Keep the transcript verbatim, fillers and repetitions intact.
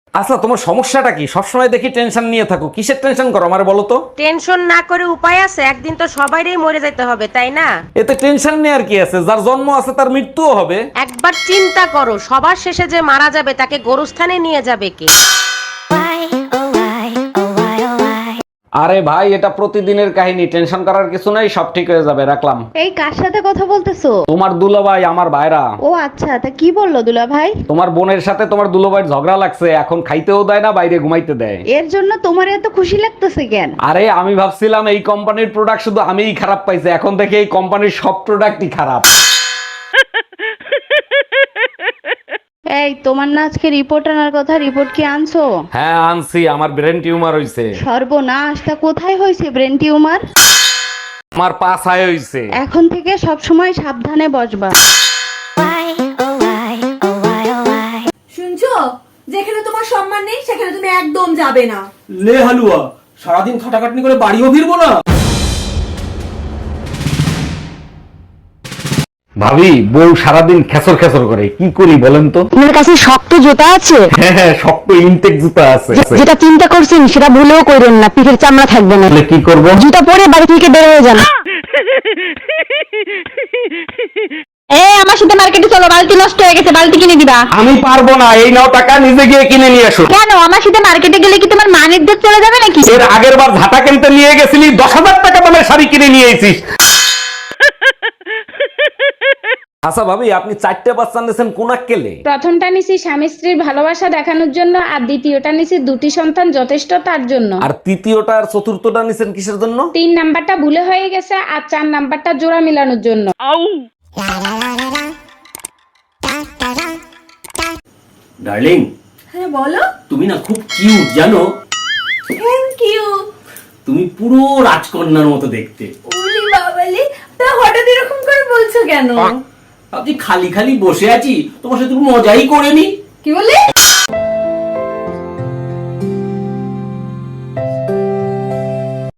আচ্ছা, তোমার সমস্যাটা কি? সবসময় দেখি টেনশন নিয়ে থাকো, কিসের টেনশন করো আমারে বলো তো? টেনশন না করে উপায় আছে? একদিন তো সবাইরই মরে যেতে হবে, তাই না? এতে টেনশন নিয়ে আর কি আছে? যার জন্ম আছে তার মৃত্যুও হবে। একবার চিন্তা করো, সবার শেষে যে মারা যাবে তাকে গোরস্থানে নিয়ে যাবে কে? আরে ভাই, এটা প্রতিদিনের কাহিনী, টেনশন করার কিছু নাই, সব ঠিক হয়ে যাবে, রাখলাম। এই কার সাথে কথা বলতেছো? তোমার দুলাভাই, আমার ভাইরা। ও আচ্ছা, তা কি বললো দুলা ভাই? তোমার বোনের সাথে তোমার দুলাভাইয়ের ঝগড়া লাগছে, এখন খাইতেও দেয় না, বাইরে ঘুমাইতে দেয়। এর জন্য তোমার এত খুশি লাগতেছে কেন? আরে আমি ভাবছিলাম এই কোম্পানির প্রোডাক্ট শুধু আমিই খারাপ পাইছি, এখন থেকে এই কোম্পানির সব প্রোডাক্টই খারাপ। এই তোমার না আজকে রিপোর্ট আনার কথা, রিপোর্ট কি আনছো? হ্যাঁ আনছি, আমার ব্রেন টিউমার হইছে। সর্বনাশ, তা কোথায় হয়েছে ব্রেন টিউমার? আমার পা ছায় হইছে। এখন থেকে সব সময় সাবধানে বসবা। শুনছো, যেখানে তোমার সম্মান নেই সেখানে তুমি একদম যাবে না। লে হালুয়া, সারাদিন খাটাখাটনি করে বাড়িও ফিরবো না। ভাবি, বউ সারাদিন খেসর খেসর করে, কি করি বলেন তো? আপনার কাছে শক্ত জুতা আছে? হ্যাঁ হ্যাঁ, শক্ত ইনটেক জুতা আছে। যেটা চিন্তা করছেন সেটা ভুলেও করেন না, পিঠের চামড়া থাকবে না। তাহলে কি করব? জুতা পরে বাড়ি থেকে বের হয়ে যান। এই আমার সাথে মার্কেটে চলো, বালতি নষ্ট হয়ে গেছে, বালতি কিনে দিবা। আমি পারবো না, এই নাও টাকা, নিজে গিয়ে কিনে নিয়ে আসো। কেন? আমার সাথে মার্কেটে গেলে কি তোমার মানের দিক চলে যাবে নাকি? এর আগের বার ঝাঁটা কিনতে নিয়ে গেছিলি, দশ হাজার টাকা দামের শাড়ি কিনে নিয়ে এসেছিস। আচ্ছা ভাবি, আপনি চারটে বাচ্চা নিয়েছেন কোন আক্কেলে? প্রথমটা নিছি স্বামী স্ত্রীর ভালোবাসা দেখানোর জন্য, আর দ্বিতীয়টা নিছি দুটি সন্তান যথেষ্ট তার জন্য। আর তৃতীয়টা আর চতুর্থটা নিছেন কিসের জন্য? তিন নাম্বারটা ভুলে হয়ে গেছে, আর চার নাম্বারটা জোড়া মিলানোর জন্য। ডার্লিং, হ্যাঁ বলো। তুমি না খুব কিউট জানো। Thank you. তুমি পুরো রাজকন্যার মতো দেখতে। ওলি বাবালি, তা হঠাৎ এরকম করে বলছো কেন? ভাবছি খালি খালি বসে আছি, তোমার সাথে একটু মজাই করে নি। কি বলে?